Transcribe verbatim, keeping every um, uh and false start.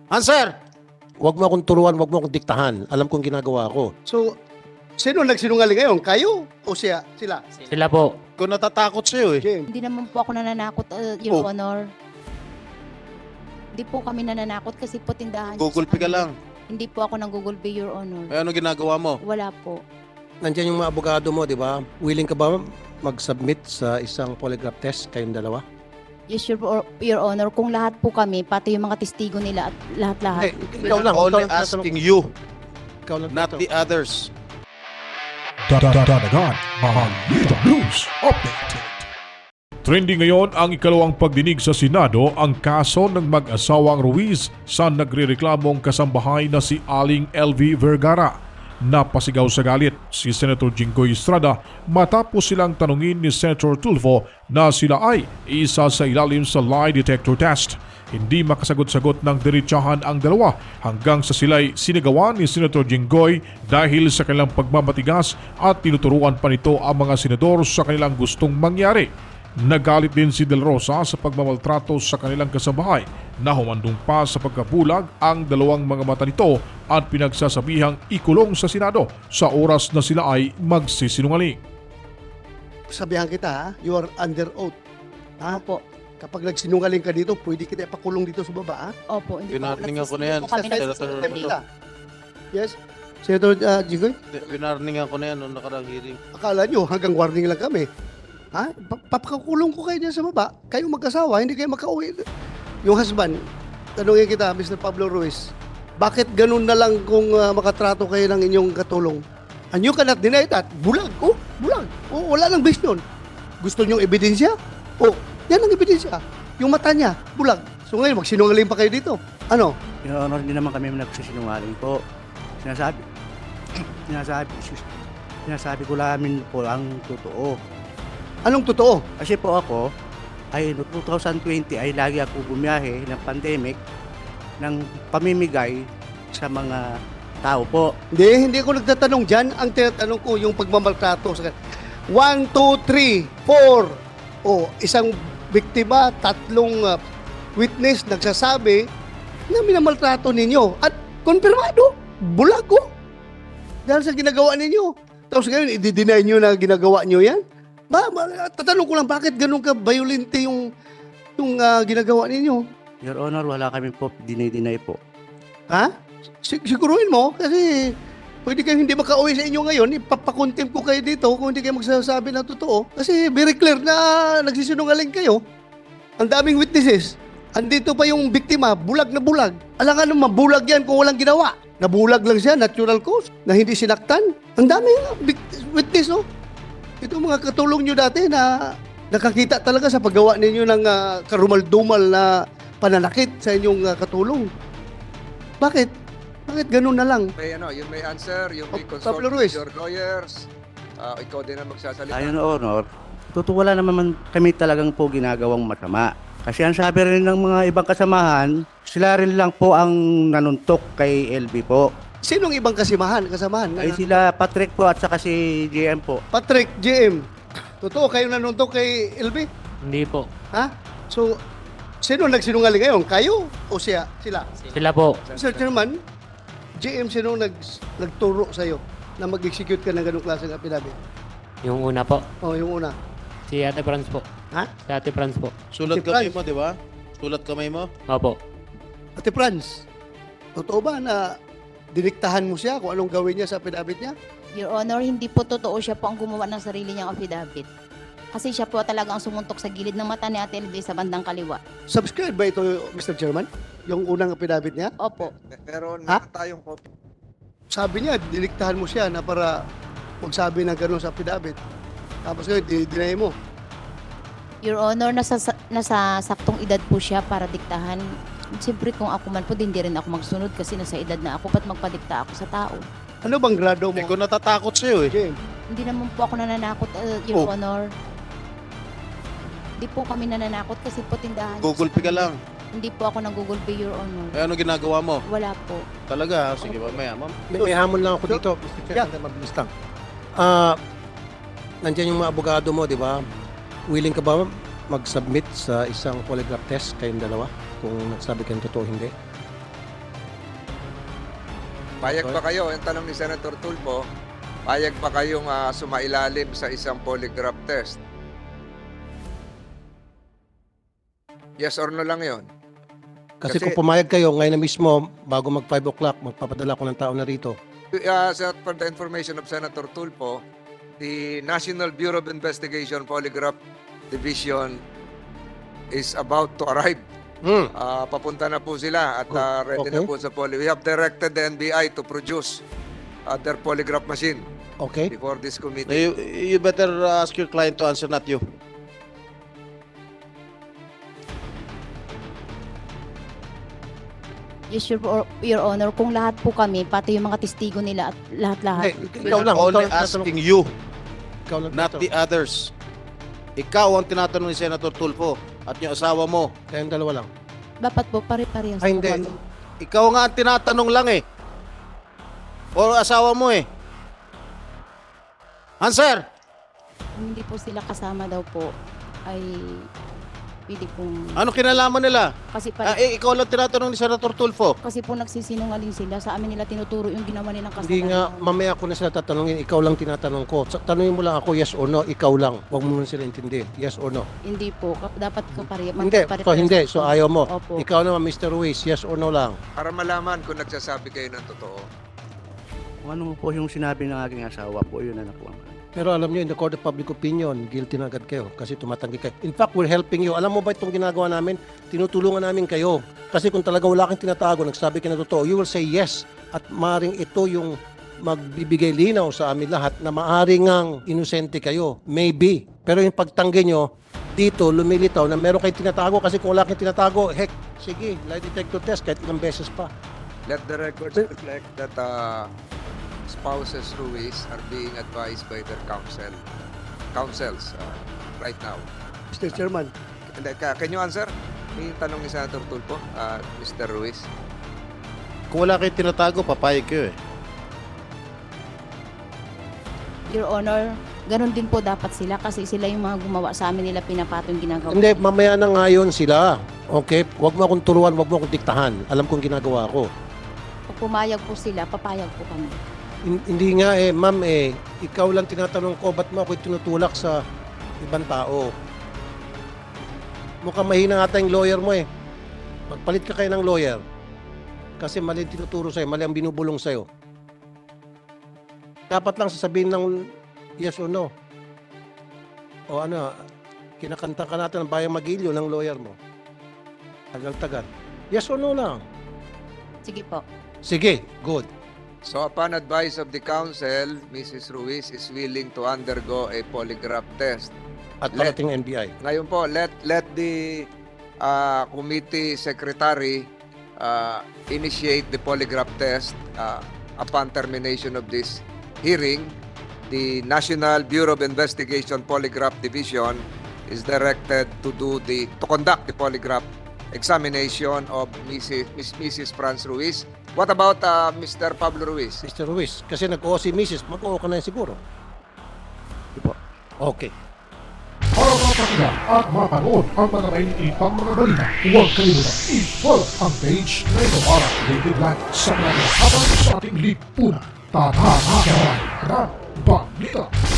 Answer! Huwag mo akong turuan, huwag mo akong diktahan. Alam kong ginagawa ko. So, sino nagsinungaling ngayon? Kayo o siya? Sila? Sila po. Ko natatakot sa'yo eh. James. Hindi naman po ako nananakot, uh, Your Oh. Honor. Hindi po kami nananakot kasi po tindahan. Google Pay ka lang. Hindi po ako nang Google Pay, Your Honor. Eh, ano ginagawa mo? Wala po. Nandiyan yung mga abogado mo, di ba? Willing ka ba mag-submit sa isang polygraph test kayong dalawa? Yes, Your, Your Honor. Kung lahat po kami, pati yung mga testigo nila at lahat-lahat. ikaw lang. Only ikaw lang asking you, Ikaw lang not tatanong. the others. Dadagan, Balita News Update. Trending ngayon ang ikalawang pagdinig sa Senado ang kaso ng mag-asawang Ruiz sa nagrereklamong kasambahay na si Aling L V Vergara. Napasigaw sa galit si Senator Jinggoy Estrada matapos silang tanungin ni Senator Tulfo na sila ay isa sa ilalim sa lie detector test. Hindi makasagot-sagot ng diretsahan ang dalawa hanggang sa sila'y sinigawan ni Senator Jinggoy dahil sa kanilang pagmamatigas at tinuturuan pa nito ang mga senador sa kanilang gustong mangyari. Nagalit din si Del Rosa sa pagmamaltrato sa kanilang kasambahay na humandong pa sa pagkabulag ang dalawang mga mata nito at pinagsasabihang ikulong sa Senado sa oras na sila ay magsisinungaling. Sabihan kita ha, you are under oath. Ha? Opo. Kapag nagsinungaling ka dito, pwede kita ipakulong dito sa baba ha? Opo. Hindi po ako Pinarningan ko na yan, Hindi po kami Senator nagsisinungaling. Tulfo. Yes? Senator uh, Jigoy, Winarningan ko na yan noong nakarang hearing. akala nyo hanggang warning lang kami. Ha? Pa- Papakulong ko kayo dyan sa baba. Kayong magkasawa, hindi kayo makauwi. Yung husband, tanungin kita, Mister Pablo Ruiz, bakit ganun na lang kung uh, makatrato kayo ng inyong katulong? And you cannot deny that. Bulag. Oh, bulag. Oh, wala nang base nun. Gusto nyong ebidensya? Oh, yan ang ebidensya. Yung mata niya, bulag. So ngayon, magsinungaling pa kayo dito. Ano? Your Honor, hindi naman kami nagsisinungaling po. Sinasabi, sinasabi, sinasabi ko namin po ang totoo. Anong totoo? Kasi po ako, ay no twenty twenty ay lagi ako bumiyahe ng pandemic ng pamimigay sa mga tao po. Hindi, hindi ako nagtatanong dyan. Ang tinatanong ko, yung pagmamaltrato. sa One, two, three, four. O, isang biktima, tatlong uh, witness nagsasabi na minamaltrato ninyo. At konfirmado, bulag ko. Dahil sa ginagawa ninyo. Tapos ngayon, i-deny nyo na ginagawa nyo yan? Ba, ba, tatanong ko lang, bakit ganun ka violente yung, yung uh, ginagawa ninyo? Your Honor, wala kami po dinay-dinay po. Ha? Sig- siguruhin mo kasi pwede kayo hindi makauwi sa inyo ngayon, ipapakontempt ko kayo dito kung hindi kayo magsasabi ng totoo. Kasi very clear na nagsisinungaling kayo. Ang daming witnesses. Andito pa yung biktima, bulag na bulag. Alangan naman, bulag yan kung walang ginawa. Nabulag lang siya, natural cause, na hindi sinaktan. Ang daming bik- witness, no? Ito mga katulong nyo dati na nakakita talaga sa paggawa ninyo ng uh, karumal-dumal na pananakit sa inyong uh, katulong. Bakit? Bakit ganun na lang? May ano, yun may answer, yung may Oh, consult Pablo with Ruiz. your lawyers. Ah, ikaw din ang magsasalita. Ayon, Your Honor, totoo wala naman kami talagang po ginagawang masama. Kasi ang sabi rin ng mga ibang kasamahan, sila rin lang po ang nanuntok kay L B po. Sinong ibang kasimahan, kasamahan? Ay sila Patrick po at saka si J M po. Patrick, J M. Totoo, kayo nanuntok kay L B? Hindi po. Ha? So, sino nagsinungaling ngayon? Kayo o siya? Sila? Sila po. Mister Chairman, J M, sino nag, nagturo sa'yo na mag-execute ka ng ganong klaseng affidavit? Yung una po. O, yung una. Si Ate Franz po. Ha? Si Ate Franz po. Sulat Si kamay Franz. mo, di ba? Sulat kamay mo? Opo. Ate Franz, totoo ba na diniktahan mo siya kung anong gawin niya sa affidavit niya? Your Honor, hindi po totoo siya po ang gumawa ng sarili niyang affidavit. Kasi siya po talaga ang sumuntok sa gilid ng mata ni Ate L V sa bandang kaliwa. Subscribe ba ito, Mister Chairman? Yung unang affidavit niya? Opo. Meron Ha? meron tayong copy. Sabi niya, diniktahan mo siya na para magsabi ng gano'n sa affidavit. Tapos ngayon, dinay mo. Your Honor, nasa, nasa saktong edad po siya para diktahan. Siyempre kung ako man po, di hindi rin ako magsunod kasi nasa edad na ako, pat magpadikta ako sa tao. Ano bang grado mo? Eh, ko natatakot sa'yo eh. James, Hindi naman po ako nananakot, uh, Your Oh. Honor. Hindi po kami nananakot kasi po tindahan. Google Pay ka lang. Hindi po ako nang Google Pay, Your Honor. Eh, ano ginagawa mo? Wala po. Talaga? Sige, mamaya, ma'am. May, may hamon lang ako dito, Mister Chair. Yeah. Mabilis lang. Ah, nandiyan yung mga abogado mo, di ba? Willing ka ba mag-submit sa isang polygraph test kayong dalawa? Kung nagsabi kayong totoo, hindi? Payag ba kayo, yung tanong ni Senator Tulfo, payag ba kayong ah, sumailalim sa isang polygraph test? Yes or no lang yon. Kasi, Kasi- kung pumayag kayo, ngayon na mismo, bago mag five o'clock, magpapadala ko ng tao na rito. Uh, sa- for the information of Senator Tulfo, the National Bureau of Investigation Polygraph Division is about to arrive. Hmm. Ah, papunta na po sila at ah, ready na Okay. po sa poly. We have directed the N B I to produce uh, their polygraph machine Okay? before this committee. You, you better uh, ask your client to answer, not you. Yes, your, your Honor, kung lahat po kami, pati yung mga testigo nila at lahat-lahat. Hey, ikaw lang. Only ikaw lang asking you, Ikaw lang not tinatanong. the others. Ikaw ang tinatanong ni Senator Tulfo at yung asawa mo. Kayong dalawa lang. Dapat po pare-parehas Ay, po hindi. kami. Ikaw nga ang tinatanong lang eh. O asawa mo eh. Answer! Kung hindi po sila kasama daw po, ay pwede pong... Ano kinalaman nila? Kasi, Ah, pare, eh, ikaw lang tinatanong ni Senator Tulfo. kasi po nagsisinungaling sila. Sa amin nila tinuturo yung ginawa nilang kasalanan. Hindi nga, mamaya ko na sila tatanungin, ikaw lang tinatanong ko. Sa- Tanungin mo lang ako, yes or no, ikaw lang. Huwag mo na sila intindihin, yes or no. Hindi po. Kap- Dapat kapare. Hindi, so hindi, so ayaw mo. Opo. Ikaw naman, Mister Ruiz, yes or no lang. Para malaman kung nagsasabi kayo ng totoo. Kung ano po yung sinabi ng aking asawa po, yun na nakuha ko. Pero alam nyo, in the court of public opinion, guilty na agad kayo kasi tumatanggi kayo. In fact, we're helping you. Alam mo ba itong ginagawa namin? Tinutulungan namin kayo. Kasi kung talaga wala kang tinatago, nagsabi ka na totoo, you will say yes. At maaaring ito yung magbibigay linaw sa amin lahat na maaaring ang inosente kayo. Maybe. Pero yung pagtanggi nyo, dito lumilitaw na meron kayong tinatago kasi kung wala kayong tinatago, heck, sige, lie detector test kahit ilang beses pa. Let the records reflect that uh, spouses Ruiz are being advised by their counsel, counsels uh, right now. Mister Chairman, And, uh, can you answer? May tanong ni Senator Tulfo, uh, Mister Ruiz. Kung wala kayo tinatago, papayag kayo eh. Your Honor, ganun din po dapat sila kasi sila yung mga gumawa sa amin nila pinapato yung ginagawa. Hindi, mamaya na ngayon sila. Okay? Huwag mo akong turuan, huwag mo akong diktahan. Alam kong ginagawa ko. Pag pumayag po sila, papayag po kami. Hin- Hindi nga eh, ma'am eh, ikaw lang tinatanong ko, ba't mo ako tinutulak sa ibang tao? Mukhang mahina nga tayong lawyer mo eh. Magpalit ka kayo ng lawyer. Kasi mali ang tinuturo sa'yo, mali ang binubulong sa'yo. Dapat lang sasabihin ng yes or no. O ano, kinakanta ka natin ng Bayang Magilyo ng lawyer mo. Tagal-tagal. Yes or no lang. Sige po. Sige, good. So upon advice of the counsel, Missus Ruiz is willing to undergo a polygraph test. At Let- parating N B I. Ngayon po, let let the uh, committee secretary uh, initiate the polygraph test uh, upon termination of this hearing. The National Bureau of Investigation Polygraph Division is directed to do the to conduct the polygraph examination of Missus Miss Missus Franz Ruiz. What about uh, Mister Pablo Ruiz? Mister Ruiz, kasi nag-oo si Missus mag-oo ka na siguro. Okay. Para mapakinggan at mapanood ang mga mainiitang mga balita, huwag kalimutan i-follow ang page na ito para updated lang sa mga habang sa ating lipunan. Tatahan ka ng balita.